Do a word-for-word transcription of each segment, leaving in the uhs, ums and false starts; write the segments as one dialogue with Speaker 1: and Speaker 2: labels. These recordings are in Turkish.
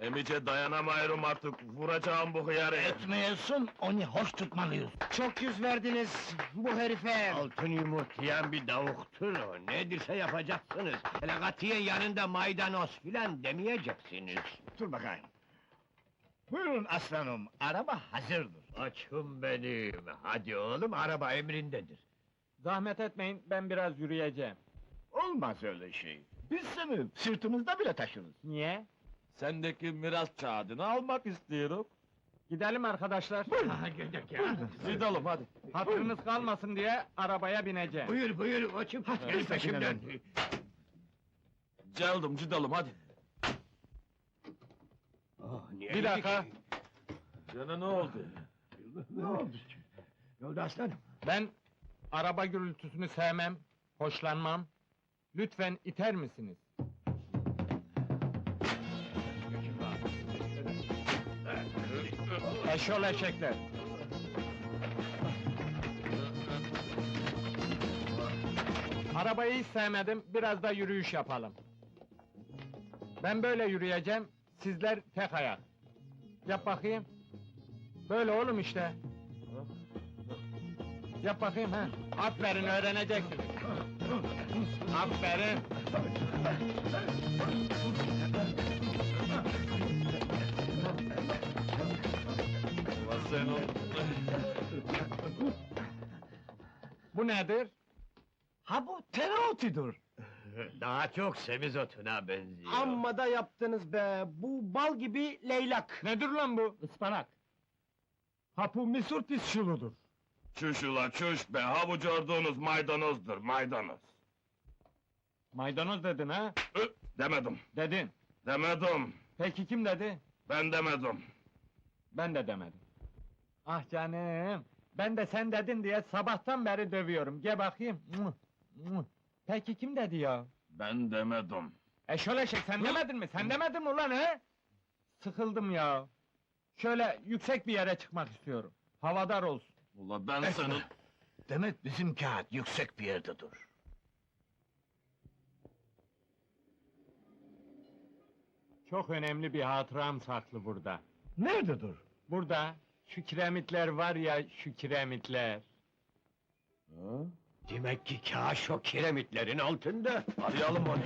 Speaker 1: Emice dayanamıyorum artık, vuracağım bu hıyarı!
Speaker 2: Etmeyesin, onu hoş tutmalıyız.
Speaker 3: Çok yüz verdiniz bu herife!
Speaker 4: Altın yumurtlayan bir davuktur o, nedirse yapacaksınız. Hele katiyen yanında maydanoz filan demeyeceksiniz.
Speaker 2: Dur bakayım. Buyurun aslanım, araba hazırdır.
Speaker 4: Açım benim, hadi oğlum, araba emrindedir.
Speaker 3: Zahmet etmeyin, ben biraz yürüyeceğim.
Speaker 2: Olmaz öyle şey. Biz seni sırtımızda bile taşırız.
Speaker 3: Niye?
Speaker 1: Sendeki miras kağıdını almak istiyorum.
Speaker 3: Gidelim arkadaşlar.
Speaker 4: Ha, gidelim ya.
Speaker 1: Gidelim hadi.
Speaker 3: Hatırınız kalmasın diye arabaya bineceğim.
Speaker 4: Buyur buyur, açım, gel peşimden.
Speaker 1: Geldim, gidelim hadi.
Speaker 4: Oh, niye
Speaker 3: Bir dakika,
Speaker 1: Gene ne oldu?
Speaker 4: Ne oldu? Ne oldu aslanım?
Speaker 3: ben araba gürültüsünü sevmem, hoşlanmam. Lütfen iter misiniz? Eşol eşekler! Arabayı hiç sevmedim, biraz da yürüyüş yapalım. Ben böyle yürüyeceğim, sizler tek ayak. Yap bakayım. Böyle oğlum işte. Yap bakayım ha. Aferin, öğreneceksiniz. Aferin.
Speaker 1: Ulan sen o...
Speaker 3: Bu nedir?
Speaker 2: Ha bu tereotudur.
Speaker 4: Daha çok semizotuna benziyor.
Speaker 3: Amma da yaptınız be! Bu bal gibi leylak! Nedir lan bu? Ispanak! Ha bu misur pis şuludur!
Speaker 1: Çüş ula çüş be, ha bu gördüğünüz maydanozdur, maydanoz.
Speaker 3: Maydanoz dedin ha?
Speaker 1: Ö, demedim,
Speaker 3: Dedin!
Speaker 1: demedim,
Speaker 3: Peki kim dedi?
Speaker 1: ben demedim.
Speaker 3: Ben de demedim. Ah canım! Ben de sen dedin diye sabahtan beri dövüyorum, gel bakayım! Mıh, mıh. Peki kim dedi ya?
Speaker 1: Ben demedim.
Speaker 3: Eşol eşek, sen demedin mi? Sen demedin mi ulan he? Sıkıldım ya! Şöyle yüksek bir yere çıkmak istiyorum. Havadar olsun.
Speaker 1: Ula ben senin...
Speaker 2: Demek bizim kağıt yüksek bir yerde dur.
Speaker 3: Çok önemli bir hatıram saklı burada.
Speaker 2: Nerede dur?
Speaker 3: Burada, şu kiremitler var ya, şu kiremitler.
Speaker 4: Demek ki kâş o kiremitlerin altında.
Speaker 1: Arayalım onu.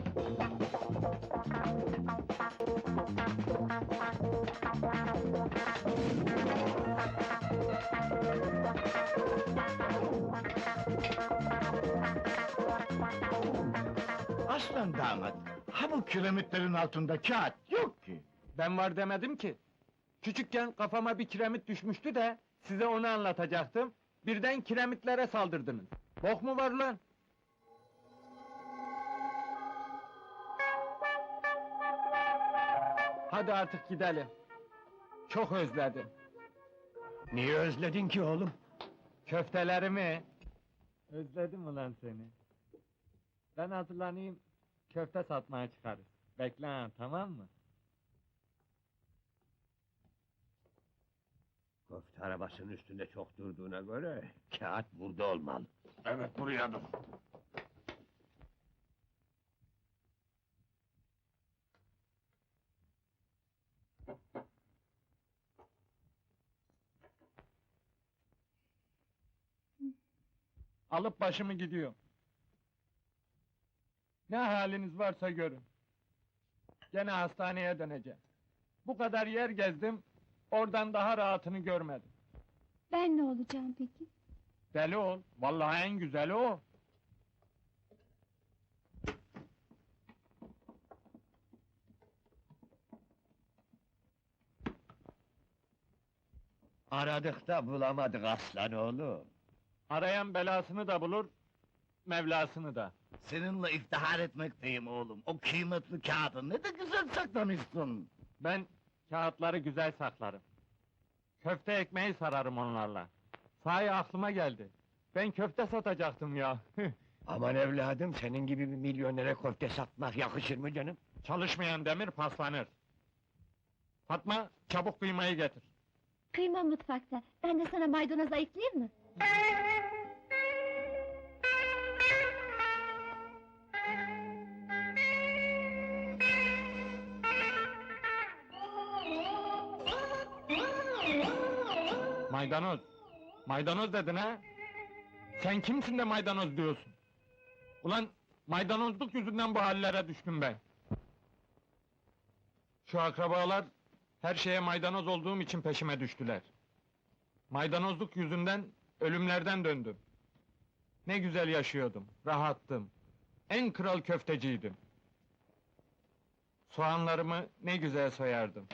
Speaker 2: Aslan damat, ha bu kiremitlerin altında kağıt yok ki.
Speaker 3: Ben var demedim ki. Küçükken kafama bir kiremit düşmüştü de, size onu anlatacaktım. Birden kiremitlere saldırdınız. Bok mu var lan? Hadi artık gidelim. Çok özledim.
Speaker 4: Niye özledin ki oğlum?
Speaker 3: Köftelerimi. Özledim ulan seni. Ben hazırlanayım, köfte satmaya çıkarız. Bekle ha, tamam mı?
Speaker 4: Köfte arabasının üstünde çok durduğuna göre, kağıt burada olmalı.
Speaker 1: Evet, buraya dur.
Speaker 3: Alıp başımı gidiyorum. Ne haliniz varsa görün. Gene hastaneye döneceğim. Bu kadar yer gezdim, oradan daha rahatını görmedim.
Speaker 5: Ben ne olacağım peki?
Speaker 3: Deli ol, vallahi en güzeli o.
Speaker 4: Aradık da bulamadık aslan oğlum.
Speaker 3: Arayan belasını da bulur, Mevlasını da.
Speaker 2: Seninle iftihar etmekteyim oğlum. O kıymetli kağıdı ne de güzel saklamışsın.
Speaker 3: Ben kağıtları güzel saklarım. Köfte ekmeği sararım onlarla. Sahi aklıma geldi. Ben köfte satacaktım ya.
Speaker 4: Aman evladım, senin gibi bir milyonere köfte satmak yakışır mı canım?
Speaker 3: Çalışmayan demir paslanır. Fatma, çabuk kıymayı getir.
Speaker 5: Kıyma mutfakta. Ben de sana maydanoz ayıklayayım mı?
Speaker 3: Maydanoz. Maydanoz dedin ha? Sen kimsin de maydanoz diyorsun? Ulan maydanozluk yüzünden bu hallere düştüm ben. Şu akrabalar her şeye maydanoz olduğum için peşime düştüler. Maydanozluk yüzünden ölümlerden döndüm. Ne güzel yaşıyordum, rahattım. En kral köfteciydim. Soğanlarımı ne güzel soyardım.